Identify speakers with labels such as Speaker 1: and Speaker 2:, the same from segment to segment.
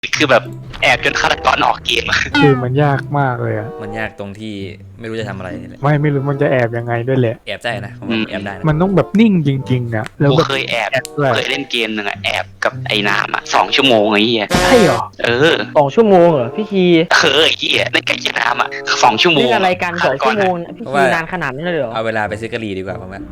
Speaker 1: คือแบบแอบจนฆาตกรออกเกม
Speaker 2: คือมันยากมากเลยอะ
Speaker 3: มันยากตรงที่ไม่รู้จะทำอะไรนี่แหละ
Speaker 2: ไม่รู้มันจะแอบยังไงด้วยแหละ
Speaker 3: แอบได้นะผมว่าแอบได้นะ
Speaker 2: มันต้องแบบนิ่งจริงๆอะแล้ว
Speaker 1: กู
Speaker 2: แบบ
Speaker 1: เคยแอบ
Speaker 2: ด้วย
Speaker 1: เคยเล่นเกมหนึ่งอะแอบกับไอ้นามอะ2 ชั่วโมงไอ้เหี้ย
Speaker 2: ใช่เหรอ
Speaker 1: เออ
Speaker 4: 2 ชั่วโมงเหรอพี่คี
Speaker 1: ไอ้เหี้ยเล่นกับไอ้นามอะ2 ชั่วโม
Speaker 4: เล่
Speaker 1: ง
Speaker 4: นอะไรกัน2 ชั่วโมงพี่คีนานขนาดนั้นเลยเหรอ
Speaker 3: เอาเวลาไปซื้อกะหรี่ดีกว่าผมว่า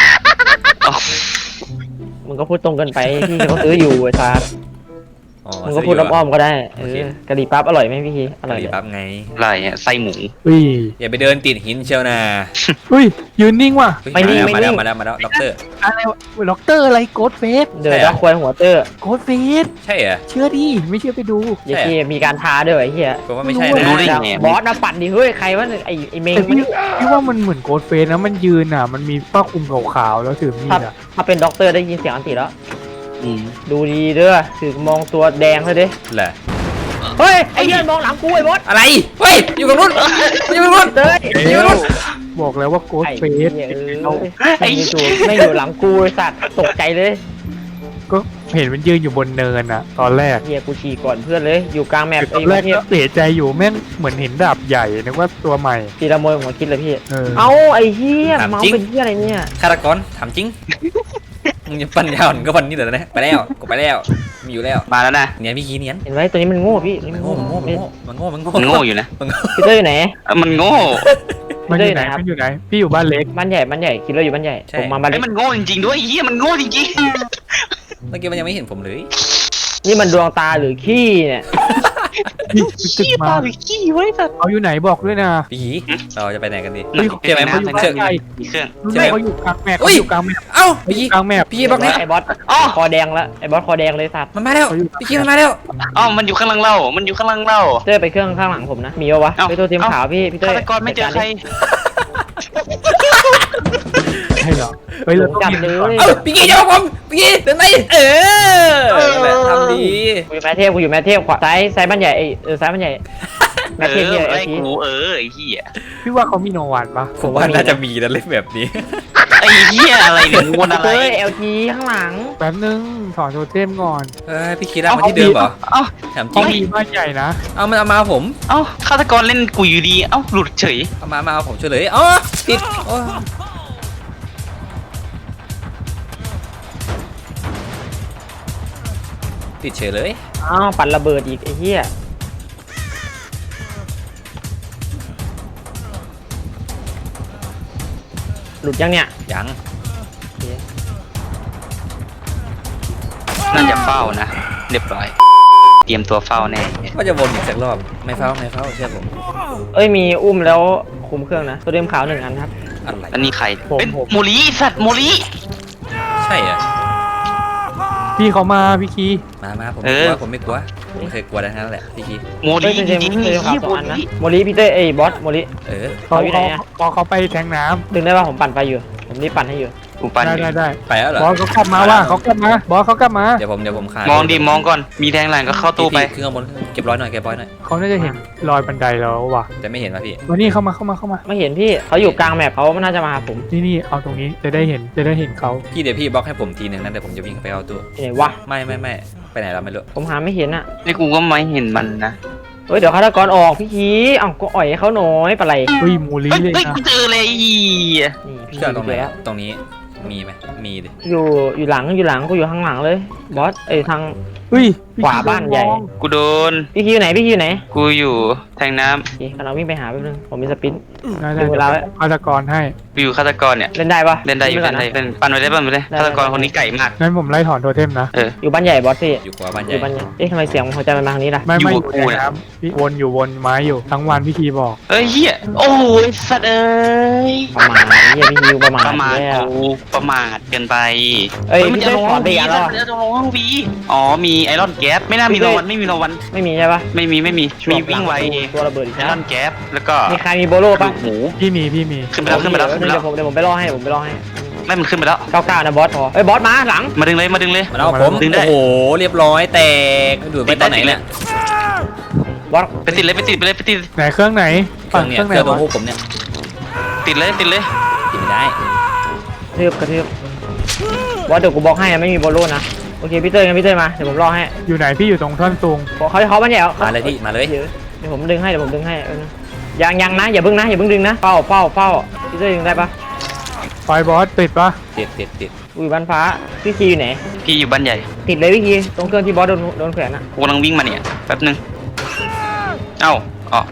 Speaker 4: มึงก็พูดตรงกันไปพี่เขาซื้ออยู่ไอ้ซาร์
Speaker 3: อ๋อ
Speaker 4: มึงก็พูดอ้อมๆก็ได้กะหรี่ปั๊บอร่อยไหมพี่คีอก
Speaker 3: ะ
Speaker 4: ร่อย
Speaker 3: หรี่
Speaker 4: เลย
Speaker 3: ปั๊บไง
Speaker 1: อะไรอะไส้หมู
Speaker 2: อุ้ย
Speaker 3: อย่าไปเดินติดหินเชียวนะ
Speaker 2: อุ้ยยืนนิ่งว่ะ
Speaker 3: เฮ้ยมาแล้วด็อกเตอร์
Speaker 2: อะไรวะล็อกเตอร์อะไรโกดเฟส
Speaker 4: เดินแล้วควายหัวเตอร์
Speaker 2: โกดเฟส
Speaker 3: ใช่เหรอ
Speaker 2: เชื่อดิไม่เชื่อไปดู
Speaker 4: เดี๋ยวคีมีการท้าด้วยไอ้เหี้ย
Speaker 3: ผมว่าไม่ใช่นะ
Speaker 1: รู้ได้ไง
Speaker 4: บอสนะปัดดิเฮ้ยใครวะไอ้เมง
Speaker 2: แต่พี่ว่ามันเหมือนโกดเฟสนะมันยืนอ่ะมันมีผ้าคลุมขาวๆแล้วถือมีดอ่ะ
Speaker 4: ถ้าเป็นด็อกเตอร์ได้ยินเสียงอันติแล้ว
Speaker 1: อืม
Speaker 4: ดูดีเด้อถือมองตัวแดงเลยดิ
Speaker 3: แหละ
Speaker 4: เฮ้ยไอ้เหี้ยมองหลังกูไอ้บอส
Speaker 3: อะไรเฮ้ยอยู่กับรุ่นอยู่กับรุ่น
Speaker 4: เต้ย
Speaker 3: อยู่กับรุ่น
Speaker 2: บอกแล้วว่าโกด
Speaker 4: ไอ้
Speaker 2: เฟ
Speaker 4: เหี้
Speaker 2: ส
Speaker 4: ยไม่อยู่หลังกูไอ้สัตว์ตกใจเลย
Speaker 2: ก็เห็นมันยืนอยู่บนเนินอ่ะ ตอนแรก
Speaker 4: เฮียกูฉี่ก่อนเพื่อนเลยอยู่กลางแมป
Speaker 2: ตอนแรกก็เสียใจอยู่แม่งเหมือนเห็นดาบใหญ่นึกว่าตัวใหม่
Speaker 4: ตีละโมยหัวคิดเลยพี่
Speaker 2: เออ
Speaker 4: เอาไอ้เฮียเมาเป็นเฮียอะไรเนี่ย
Speaker 3: ฆาตกรถามจริงมึงจะปัญญาอ่อนก็วันนี้เหรอนะไปแล้วกูไปแล้วมีอยู่แล้ว
Speaker 1: มาแล้วนะ
Speaker 3: เนี่ยพี่คีเนียน
Speaker 4: เห็นไหมตัวนี้มันโง่พี่
Speaker 3: มันโง่มันโง่มันโง่มันโง่
Speaker 1: มันโง่อยู่นะ
Speaker 4: พี่เต้ยอยู่ไหน
Speaker 1: มันโง่
Speaker 2: มันอยู่ไหน
Speaker 4: ครับ
Speaker 2: มันอยู่ไหนพี่อยู่บ้านเล็ก
Speaker 4: บ้านใหญ่คิดเลยอยู่บ้านใหญ่ผมมาบ้าน
Speaker 1: ไอ้
Speaker 4: เล็ก
Speaker 1: มันโง่จริงๆด้วยไอ้เหี้ยมันโง่จริง
Speaker 3: เมื่อกี้มันยังไม่เห็นผมเลย
Speaker 4: นี่มันดวงตาหรือขี้เนี่ย
Speaker 2: พี่
Speaker 1: ๆ
Speaker 2: ตึก
Speaker 1: ขี้
Speaker 2: มา
Speaker 1: ปลาหรือขี้ไว้สัตว์
Speaker 2: เขาอยู่ไหนบอกด้วยนะ
Speaker 3: พี่คีเราจะไปไหนกันดี
Speaker 1: เฮ้ย
Speaker 3: เชื่อไหม
Speaker 1: เขา
Speaker 3: เชื่อ
Speaker 1: มีเครื่อง
Speaker 2: รู้
Speaker 3: ใช่
Speaker 2: ไหม
Speaker 3: ไหม
Speaker 2: เขาอยู่กลางแมป
Speaker 3: อุ้
Speaker 2: เขา
Speaker 3: ย
Speaker 2: อยู่กลางแมป
Speaker 3: เอ้า
Speaker 2: เขาอ
Speaker 3: พี่
Speaker 2: ยู่กลางแมป
Speaker 3: พี่บอกนะ
Speaker 4: ไอ้บอส
Speaker 1: อ๋อ
Speaker 4: คอแดงละไอ้บอสคอแดงเลยสัตว์
Speaker 3: มันมาแล้วพี่คีมันมาแล้ว
Speaker 1: อ๋อมันอยู่ข้างหลังเรามันอยู่ข้างหลังเรา
Speaker 4: เต้ยไปเครื่องข้างหลังผมนะมีวะ
Speaker 1: เอ้า
Speaker 4: ไปตัวเตรียมขาวพี่เต้ย
Speaker 1: ฆาตกรไม่เจอใคร
Speaker 2: ใช่เหรอเฮ้ยเราต้อง
Speaker 4: จับ
Speaker 2: เรียน
Speaker 4: เล
Speaker 2: ก่อน
Speaker 4: ย
Speaker 3: เอ้าพี่คีจะบอกผมพี่คีเดินไปนั่นแหละทำดี
Speaker 4: กูอยู่แม่เทพขวาซ้ายบ้านใหญ่ซ้ายบ้านใหญ่แม่เทพเนี่ย
Speaker 1: ไอ้
Speaker 4: ไอ้ที
Speaker 1: กูไอ้เหี้ย
Speaker 2: พี่ว่าเขามีโนวันปะ
Speaker 3: ผมว่าน่าจะมีนะเล่นแบบนี้
Speaker 1: ไอ้เหี้ยอะไรเนี่ยมึงวนอะไร
Speaker 4: เต้ย LG ข้างหลัง
Speaker 2: แป๊บนึงถอนโทเทมก่อน
Speaker 3: เฮ้ยพี่คีร่างมาที่เดิมเหรอ
Speaker 1: เอ้า
Speaker 3: ถามจ
Speaker 2: เขา
Speaker 3: ริง
Speaker 2: มีบ้านใหญ่นะ
Speaker 3: เอามันเอามาผม
Speaker 1: เอ้าฆาตกรเล่นกูอยู่ดีเอ้าหลุดเฉย
Speaker 3: เอามาเอาผมช่วยเลยอ๋อติดโอ้ติดเฉยเลย
Speaker 4: อ้าวปั่นระเบิดอีกไอ้เหี้ยหลุดยังเนี่ย
Speaker 3: ยัง
Speaker 1: น่าจะเฝ้านะเรียบร้อย เตรียมตัวเฝ้าแน่
Speaker 3: ว่าจะวนอีกสักรอบไม่เฝ้าเชื่อผม
Speaker 4: เอ้ยมีอุ้มแล้วคุมเครื่องนะตัวเดียมขาว1 อันครับ
Speaker 3: อะไร
Speaker 1: แล้วนี่ใคร
Speaker 4: ผม
Speaker 1: เป็นโมลีสัตว์โมลี
Speaker 3: ใช่เหรอ
Speaker 2: พี่เขามาพี่คี
Speaker 3: มาผมไม่กลัวผมไม่กลัวผมไม่เคยกลัวทั้งนั้นแหละพี่คี
Speaker 1: โม
Speaker 4: เอ้
Speaker 1: ลี
Speaker 4: ยตัว
Speaker 1: จ
Speaker 4: เดียม
Speaker 1: ริงๆ
Speaker 4: ตัวเดียมขาว
Speaker 1: เหี้ย
Speaker 4: 2
Speaker 1: โม
Speaker 4: อันนะ
Speaker 1: ลี
Speaker 4: โมลิพี่เต้ยบอสโมลิ
Speaker 3: เออ
Speaker 2: เขา
Speaker 4: เขาอยู่ไหนอะ
Speaker 2: พอเขาไปแทงน้
Speaker 4: ดึงได้ป่ะผมปั่นไฟอยู่ผมรีบปั่นให้อยู่
Speaker 1: กู
Speaker 2: ำ
Speaker 1: ปั่น
Speaker 2: ได้
Speaker 1: อยู่
Speaker 2: ได้
Speaker 3: ไปแล้วเหรอบ
Speaker 2: อสเขากลับมาว่าเขากลับมาบอสเขากลับมา
Speaker 3: เดี๋ยวผมคาน
Speaker 1: มองดิมองก่อนมีแทงหลังก็เข้าตู้ไป
Speaker 3: ขึ้นข้างบนเก็บร้อยหน่อย
Speaker 2: เขาน่าจะเห็นรอยบันไดแล้วว่ะ
Speaker 3: แต่ไม่เห็นป่ะพี่
Speaker 2: วันนี้เข้ามา
Speaker 4: ไม่เห็นพี่เขาอยู่กลางแมปเขาน่าจะมาหาผม
Speaker 2: นี่เอาตรงนี้จะได้เห็นเขา
Speaker 3: พี่เดี๋ยวพี่บล็อกให้ผมทีนึงนะเดี๋ยวผมจะวิ่งไปเอาตู้
Speaker 4: ที่ไหนวะ
Speaker 3: ไม่ไปไหนเราไม่รู้
Speaker 4: ผมหาไม่เห็นอ่ะ
Speaker 1: นี่กูก็ไม่เห็นมันนะ
Speaker 4: เฮ้ยเดี๋ยวฆาตกรออกพี่คีเอ้าก็อ่อยให้เขาหน่อยปะไร
Speaker 2: เฮ้ยมูลี
Speaker 1: เฮ้ย
Speaker 2: เลย
Speaker 1: เฮ้ย
Speaker 2: นะ
Speaker 1: กูเจอเลยอี
Speaker 4: นี่พี่
Speaker 3: เครื่องตรงไหน
Speaker 4: เจอแล้ว
Speaker 3: ตรงนี้มีไหมมีดิ
Speaker 4: อยู่หลังกูอยู่ข้างหลังเลยบอสทาง
Speaker 2: เฮ้ยพี่
Speaker 4: ขวาบ้านใหญ่
Speaker 1: กูโดน
Speaker 4: พี่คีอยู่ไหน
Speaker 1: กูอยู่แทงน้
Speaker 4: โอเคกำลังวิ่งไปหาแป๊บนึงผมมีสปิน
Speaker 2: ได้
Speaker 4: ดูเวลาไว้
Speaker 2: ฆาตกรให้
Speaker 1: ำกูอยู่ฆาตกรเนี่ย
Speaker 4: เล่นได้ปะ
Speaker 1: เล่นได้อยู่
Speaker 4: ก่
Speaker 1: เล่นได้เล่นปั่นไปเลย
Speaker 4: ได้
Speaker 1: ฆาตกรคนนี้ไก่มาก
Speaker 2: งั้นผมไล่ถอนโทเทมนะ
Speaker 4: อยู่บ้านใหญ่บอสพี่
Speaker 3: อยู่ขวาบ้านให
Speaker 4: อ
Speaker 3: ญ่
Speaker 4: ยู่บ้านใหญ่ทำไมเสียงหัวใจมันมาทางนี้ล่ะ
Speaker 2: ไม่
Speaker 1: อยู่กับกู
Speaker 2: อยู่
Speaker 1: นะ
Speaker 2: น้ำพี่วนไม้อยู่ทั้งวันพี่คีบอก
Speaker 1: เอ้ยเฮียโอ้ยสัตว์เอ้ย
Speaker 4: ประมาณนี้พี่คิวประมาณ
Speaker 1: ประมาท
Speaker 4: แล้ว
Speaker 1: กูประมาทเกินไป
Speaker 4: เอ้ย
Speaker 1: มัน
Speaker 4: พี่
Speaker 1: จะ
Speaker 4: เต้ย
Speaker 1: ลง
Speaker 4: ถ
Speaker 1: ห้
Speaker 4: อ
Speaker 1: อน ง
Speaker 4: ไป
Speaker 1: วี
Speaker 4: อีกแล้ว
Speaker 1: จะลงห้องวีอ๋อมีไอรอนแก๊สไม่น่ามีรางวัลไม่มีรางวัล
Speaker 4: ไม่มีใช่ปะ
Speaker 1: ไม่มีวิ่งไว
Speaker 4: ตัวระเบิดอีก
Speaker 1: ไอ
Speaker 4: แล้
Speaker 1: ร
Speaker 4: ว
Speaker 1: อนแก๊สแล้วก็
Speaker 4: มีใครมีโบโล่ปะ
Speaker 1: หมู
Speaker 2: พี่มี
Speaker 1: ขึ้นไปแล้วขึ้นไปแล้ว
Speaker 4: เดี๋ยวผมไปล่อให้
Speaker 1: ไม่มันขึ้นไปแล้ว
Speaker 4: 99นะบอสพอเอ้ยบอสมาหลัง
Speaker 1: มาดึงเลย
Speaker 3: มาเอาผม
Speaker 1: ดึงได้
Speaker 3: โอ้โหเรียบร้อยแตกดูดไปตอนไหนเนี่ย
Speaker 4: บอส
Speaker 1: ไปติดเลยไปติด
Speaker 2: ไหนเครื่องไหน
Speaker 3: เครื่องเนี่ย
Speaker 2: ไห
Speaker 3: เคน รื่องตัว
Speaker 2: วะ
Speaker 3: พวกผมเนี่ย
Speaker 1: ติดเลย
Speaker 3: ติดไม่ได้
Speaker 4: กระทืบบอสเดี๋ยวกูบล็อกให้ไม่มีโบโล่นะโอเคพี่เต้ยงั้นพี่เต้ยมาเดี๋ยวผมรอให้
Speaker 2: อยู่ไหนพี่อยู่ตรงท่อนซุง
Speaker 4: เขาบ้านใหญ่เหรอ
Speaker 3: มาเลยพี่มาเลย
Speaker 4: เดี๋ยวผมดึงให้ยังนะอย่าเพิ่งดึงนะเฝ้าพี่เต้ยดึงได้ปะ
Speaker 2: ไฟบอสติดปะ
Speaker 3: ติด
Speaker 4: อุ้ยบ้านฟ้าพี่คีอยู่ไหน
Speaker 1: พี่อยู่บ้านใหญ่
Speaker 4: ติดเลยพี่คีตรงเครื่องที่บอสโดนแขวนอะ
Speaker 1: กูกำลังวิ่งมาเนี่ยแป๊บนึงเอ้าอ๋อ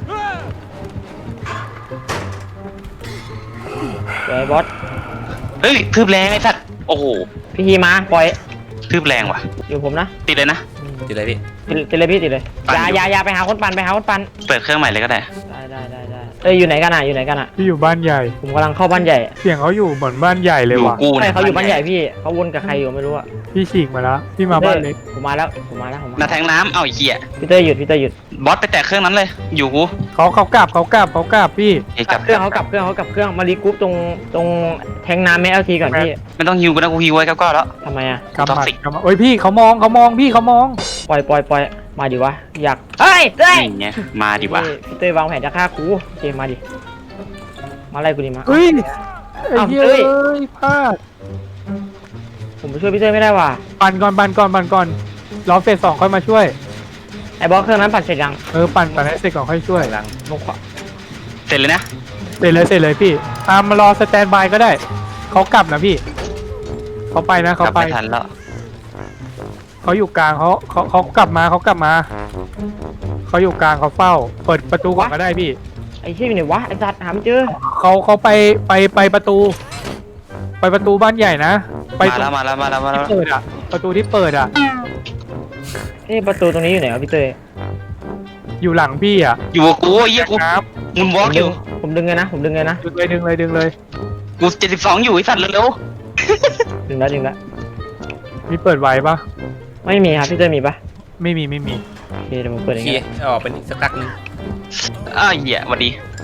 Speaker 4: เดี๋ยวไอ้บอส
Speaker 1: เฮ้ยทืบแรงไอ้สัตว์โอ้โห
Speaker 4: พี่คีมาปล่อย
Speaker 1: ทืบแรงว่ะ
Speaker 4: อยู่ผมนะ
Speaker 1: ติดเลยนะ
Speaker 3: ติดเลยพี่
Speaker 4: ติดเลยพี่ติดเลย
Speaker 1: ปั่นอยู่
Speaker 4: อย่าไปหาคนปั่น
Speaker 1: เปิดเครื่องใหม่เลยก็ได้
Speaker 4: ได้อยู่ไหนกันอะ
Speaker 2: พี่อยู่บ้านใหญ่
Speaker 4: ผมกำลังเข้าบ้านใหญ่
Speaker 2: เสียงเขาอยู่เหมือนบ้านใหญ่เล
Speaker 1: อย ยู่
Speaker 2: ว่ะ
Speaker 1: กู
Speaker 4: ใช่
Speaker 1: เนี่ย
Speaker 4: เขาอยู่บ้านใหญ่พี่เขาวนกับใครอยู่ไม่รู้อะ
Speaker 2: พี่ฉีกมาแล้วพี่มาบ้านเล็ก
Speaker 4: ผมมาแล้ว
Speaker 1: นาแทงน้ำเอาไอ้เหี้ย
Speaker 4: พี่เต้ยหยุด
Speaker 1: บอสไปแตะเครื่องนั้นเลย อยู่กู
Speaker 2: เขากลับพี่
Speaker 1: เฮ้ย
Speaker 4: กลับเครื่องเขากลับเครื่องมารีกรุ๊ปตรงแทงน้ำแม่เอลทีก่อนพี่
Speaker 1: ไม่ต้องฮิวกูนะกูฮิวไว้ก็แล้ว
Speaker 4: ทำไมอะ
Speaker 2: กำหมัด
Speaker 1: Toxic
Speaker 2: กำหมัดโอ้ยพี่เขามองพี่เขามอง
Speaker 4: ปล่อยมาดิวะอยากเฮ้ยเต้ย
Speaker 1: นี่ไงมาดิวะ
Speaker 4: พี่เต้ยวางแผนจะฆ่ากูโอเคมาดิมาไล่กูดิมา
Speaker 2: เฮ้ยไอ้เหี้ย
Speaker 4: เอ้าเอ้ย
Speaker 2: เอ้ยพลาด
Speaker 4: ผมไปช่วยพี่เต้ยไม่ได้ว่ะ
Speaker 2: ปั่นก่อนรอเฟส 2ค่อยมาช่วย
Speaker 4: ไอ้บอสเครื่องนั้นปั่นเสร็จยัง
Speaker 2: ปั่นให้เสร็จก่อนค่อยช่วย
Speaker 3: กำลัง
Speaker 4: ลงขวา
Speaker 1: เสร็จเลยนะ
Speaker 2: เสร็จเลยพี่มารอสแตนบายก็ได้เขากลับนะพี่เขาไปนะ
Speaker 1: ก
Speaker 2: เขา
Speaker 1: ลับ
Speaker 2: ไป
Speaker 1: ไม่ทันแล้ว
Speaker 2: เขาอยู่กลางเขากลับมาเขาอยู่กลางเขาเฝ้า เปิดประตูก่อนก็ได้พี่
Speaker 4: ไอ้เชี่ยอยู่ไหนวะไอ้สัตว์หาไม่เจอ
Speaker 2: เขาไปประตู ไปประตูบ้านใหญ่นะไป
Speaker 1: มาแล้ว
Speaker 2: ที่เปิดอ่ะประตูที่เปิดอ่ะ
Speaker 4: ประตูตรงนี้อยู่ไหนวะพี่เต้ย
Speaker 2: อยู่หลังพี่อ่ะ
Speaker 1: อยู่กับกูไอ้เหี้ยกู
Speaker 2: ครับ
Speaker 1: มุนวอล์กอยู่
Speaker 4: ผมดึงเลยนะ
Speaker 2: ดึงเลย
Speaker 1: กู72อยู่ไอ้สัตว์เร็ว
Speaker 4: ดึงแล้ว
Speaker 2: มีเปิดไว้ปะ
Speaker 4: ไม่มีครับพี่เต้ยมีปะ
Speaker 2: ไม่มี
Speaker 4: โอเคเดี๋ยวผมเปิดเอง
Speaker 3: ขี้
Speaker 4: นะ
Speaker 3: ออกเป็นอีกสักพักนึง
Speaker 1: ๆอ้าวเหี้ยหวัดดี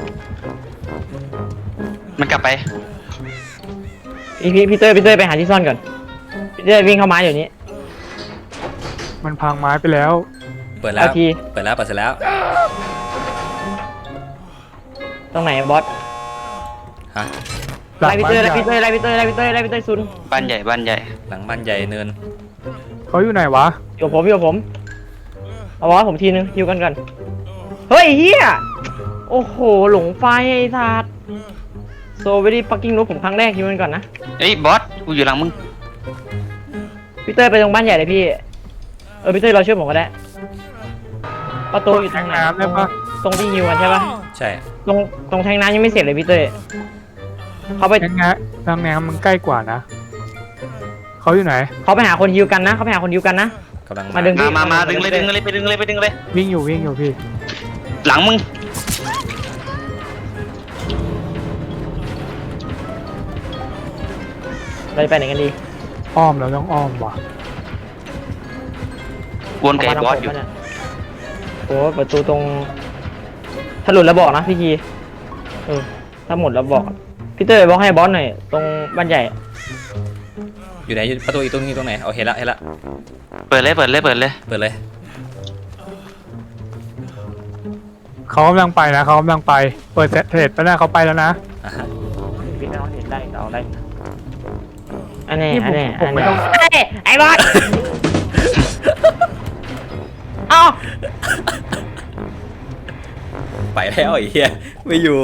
Speaker 1: มันกลับไป
Speaker 4: พี่เต้ยไปหาที่ซ่อนก่อนพี่เต้ยวิ่งเข้ามาเดี๋ยวนี้
Speaker 2: มันพังไม้ไปแล้ว
Speaker 3: เปิดแล้ว
Speaker 4: เอาที
Speaker 3: เปิดเสร็จแล้ว
Speaker 4: ตรงไหนบอส
Speaker 3: ฮะ
Speaker 2: หลัง
Speaker 4: ไล่พี่
Speaker 2: บ้าน
Speaker 4: เต้ย
Speaker 2: ให
Speaker 4: ไล่
Speaker 2: ญ่
Speaker 4: พี่เต้ยไล่พี่เต้ยซุน
Speaker 1: บ้านใหญ่
Speaker 3: หลังบ้านใหญ่เนิน
Speaker 2: เขาอยู่ไหนวะ
Speaker 4: อยู่กับผมเอาบอสผมทีนึงฮิวกันก่อนเฮ้ยเฮียโอ้โหหลงไฟไอ้สัตว์โซเวดี้ฟักกิ้งนูผมครั้งแรกฮิวกันก่อนนะ
Speaker 1: เอ้ยบอสกูอยู่หลังมึง
Speaker 4: พี่เต้ยไปตรงบ้านใหญ่เลยพี่พี่เต้ยเราช่วยผมก็ได้ประตูอยู่ทางไหน
Speaker 2: น้ำได้ปะ
Speaker 4: ตรงที่ฮิวกันใช่ปะ
Speaker 3: ใช่
Speaker 4: ตรงแทงน้ำยังไม่เสร็จเลยพี่เต้ยเขาไป
Speaker 2: ทางน้ำมันใกล้กว่านะเขาอยู่ไหน
Speaker 4: เขาไปหาคนฮิวกันนะเขาไปหาคนฮิวกันนะ
Speaker 3: กำลัง
Speaker 4: มาดึง
Speaker 1: มาดึงเลยไปดึงเลย
Speaker 2: วิ่งอยู่พี่
Speaker 1: หลังมึง
Speaker 4: เราจะไปไหนกันดี
Speaker 2: อ้อมเราต้องอ้อมว่ะ
Speaker 1: วนกับไอ้บอสอยู่
Speaker 4: โอ้ประตูตรงถ้าหลุดแล้วบอกนะพี่คีถ้าหมดแล้วบอกพี่เต้ยบอกให้บอสหน่อยตรงบ้านใหญ่
Speaker 3: อยู่ไหนอยู่ประตูอีกตรงนี้ตรงไหนเอาเห็นละ
Speaker 1: เปิดเลย
Speaker 3: เปิดเลย
Speaker 2: เขากำลังไปเปิดเสร็จไปแล้วเขาไปแล้วนะ
Speaker 3: อ่ะฮะ
Speaker 4: พี่น้องเห็นได้เอาได้อันนี้
Speaker 2: ผมไม่ต้อง
Speaker 4: ไอ้บอสเอา
Speaker 3: ไปแล้วไอ้เหี้ยไม่อยู่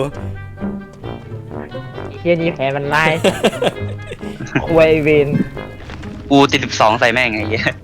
Speaker 4: เฮียนี่แผลมันไล่ควยเวน
Speaker 1: กูติด12ใส่แม่งไงเหี้ย